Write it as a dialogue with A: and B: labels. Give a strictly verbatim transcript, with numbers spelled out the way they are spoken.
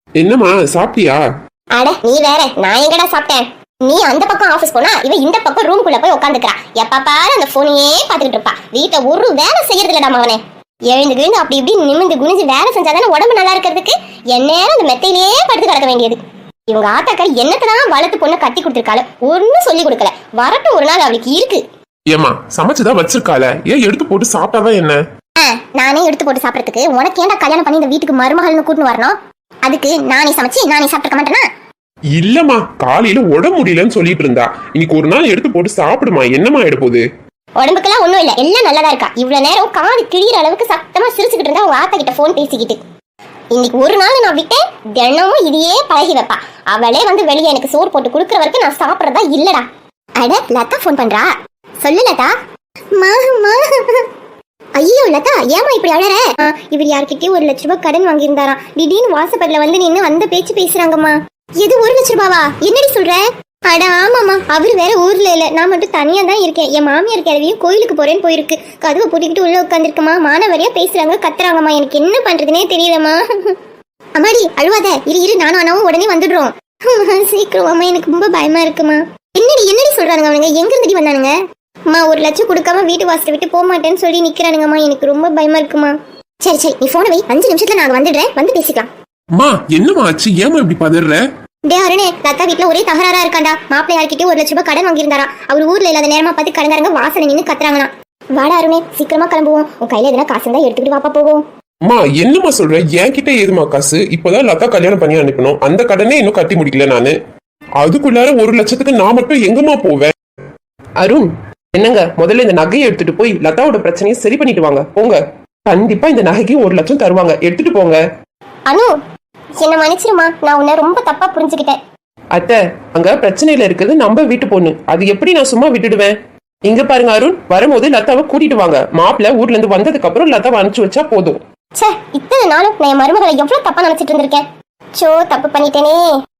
A: என்னம்மா சாப்பிட்டியா?
B: அட நீ வேற, நான் எங்கடா சாப்பிட்டேன்? நீ அந்த பக்கம் ஆபீஸ் போனா இவ இந்த பக்கம் ரூம்குள்ள போய் உட்காந்துக்கிறா. எப்ப பாரு அந்த போனையே பாத்துக்கிட்டு இருப்பா. வீட்டை ஒரு வேலை செய்யறது இல்லடா மகனே. எழுந்து கிழந்து அப்படி இப்படி நிமிந்து குனிஞ்சு வேலை செஞ்சாதானே உடம்பு நல்லா இருக்கிறதுக்கு. எந்நேரம் அந்த மெத்தையிலேயே படுத்து கிடக்க வேண்டியது. இவங்க ஆத்தாக்கள் என்னத்தான் வளர்த்து பொண்ணு கட்டி கொடுத்துருக்காள, ஒன்னும் சொல்லி கொடுக்கல. வரட்டும் ஒரு நாள் அவளுக்கு இருக்கு.
A: ஏமா சமைச்சுதான் வச்சிருக்காள, ஏன் எடுத்து போட்டு சாப்பிட்டாதான் என்ன?
B: நானே எடுத்து போட்டு சாப்பிடறதுக்கு உனக்கு ஏன்டா கல்யாணம் பண்ணி இந்த வீட்டுக்கு மருமகள்னு கூட்டின்னு வரணும்? அதுக்கு நானே சமைச்சு நானே சாப்பிட்டுக்க மாட்டேனா?
A: இல்லம்மா, காலையில உடம்பு முடியலன்னு சொல்லிட்டு இருந்தா. இன்னைக்கு ஒரு நாள் எடுத்து போட்டு சாப்பிடுமா. என்னமா ஆயிட போகுது?
B: உடம்புக்கெல்லாம் ஒண்ணும் இல்ல, எல்லாம் நல்லதா இருக்கா. இவ்வளவு நேரம் காது கிழிற அளவுக்கு சத்தமா சிரிச்சுக்கிட்டு இருந்தா உங்க ஆத்தா கிட்ட போன் பேசிக்கிட்டு. இன்னைக்கு ஒரு நாள் நான் விட்டேன், தினமும் இதையே பழகி வைப்பா. அவளே வந்து வெளியே எனக்கு சோறு போட்டு குடுக்கற வரைக்கும் நான் சாப்பிடறதா இல்லடா. அட லதா போன் பண்றா. சொல்லு லதா. ஐயோ லதா, ஏமா இப்படி அழற? இவர் யார்கிட்டயும் ஒரு லட்ச ரூபாய் கடன் வாங்கியிருந்தாராம். திடீர்னு வாசப்படில வந்து நின்னு அந்த பேச்சு பேசுறாங்கம்மா. எது ஒரு லட்ச ரூபாவா? என்னடி சொல்ற? அட ஆமாமா, அவரு வேற ஊர்ல இல்ல, நான் மட்டும் தனியா தான் இருக்கேன். என் மாமியார் கிழவியும் கோயிலுக்கு போறேன்னு போயிருக்கு. கதவை பூட்டிக்கிட்டு உள்ள உட்காந்துருக்கமா. மானவரியா பேசுறாங்க, கத்துறாங்கம்மா. எனக்கு என்ன பண்றதுனே தெரியலம்மா. அம்மாடி அழுவாத, இரு இரு, நானும் அண்ணாவும் உடனே வந்துடுறோம். சீக்கிரம் அம்மா, எனக்கு ரொம்ப பயமா இருக்குமா. என்னடி என்னடி சொல்றானுங்க அவனுங்க? எங்க இருந்துடி வந்தானுங்க? அம்மா ஒரு லட்சம் கொடுக்காம வீட்டு வாசலை விட்டு போக மாட்டேன்னு சொல்லி நிக்கிறானுங்கம்மா. எனக்கு ரொம்ப பயமா இருக்குமா. சரி சரி, நீ போன வை, அஞ்சு நிமிஷத்துல நான் வந்துடுறேன், வந்து பேசிக்கலாம்.
A: அம்மா என்னமா ஆச்சு? ஏமா இப்படி பதற?
B: டே அருணே, லதா வீட்டுல ஒரே தகராறா இருக்காண்டா. மாப்பிள்ளை யார்கிட்டயும் ஒரு லட்ச ரூபாய் கடன் வாங்கியிருந்தாரா. அவர் ஊர்ல இல்லாத நேரமா பார்த்து கடன்காரங்க வாசனை நின்று கத்துறாங்களாம். வாடா அருணே, சீக்கிரமா கிளம்புவோம். உன் கையில எதனா காசு இருந்தா எடுத்துக்கிட்டு வாப்பா போவோம்.
A: அம்மா என்னமா சொல்ற? என்கிட்ட ஏதுமா காசு? இப்பதான் லதா கல்யாணம் பண்ணி அனுப்பணும். அந்த கடனே இன்னும் கட்டி முடிக்கல நானு. அதுக்குள்ளார ஒரு லட்சத்துக்கு நான் மட்டும் எங்கம்மா போவேன்?
C: அருண் என்னங்க, முதல்ல இந்த நகையை எடுத்துட்டு போய் லதாவோட பிரச்சனையை சரி பண்ணிட்டு வாங்க. போங்க, கண்டிப்பா இந்த நகைக்கு ஒரு லட்சம் தருவாங்க, எடுத்துட்டு போங்க.
B: அனு என்ன மன்னிச்சிருமா, நான் உன்னை ரொம்ப தப்பா புரிஞ்சுக்கிட்டேன்.
C: அத்தை, அங்க பிரச்சனையில இருக்கிறது நம்ம வீட்டு பொண்ணு, அது எப்படி நான் சும்மா விட்டுடுவேன்? இங்க பாருங்க அருண், வரும்போது லதாவை கூட்டிட்டு வாங்க. மாப்பிள்ள ஊர்ல இருந்து வந்ததுக்கு அப்புறம் லதாவை அனுப்பிச்சு வச்சா போதும்.
B: சே, இத்தனை நாளும் நான் என் மருமகளை எவ்வளவு தப்பா நினைச்சிட்டு இருந்திருக்கேன். சோ தப்பு பண்ணிட்டேனே.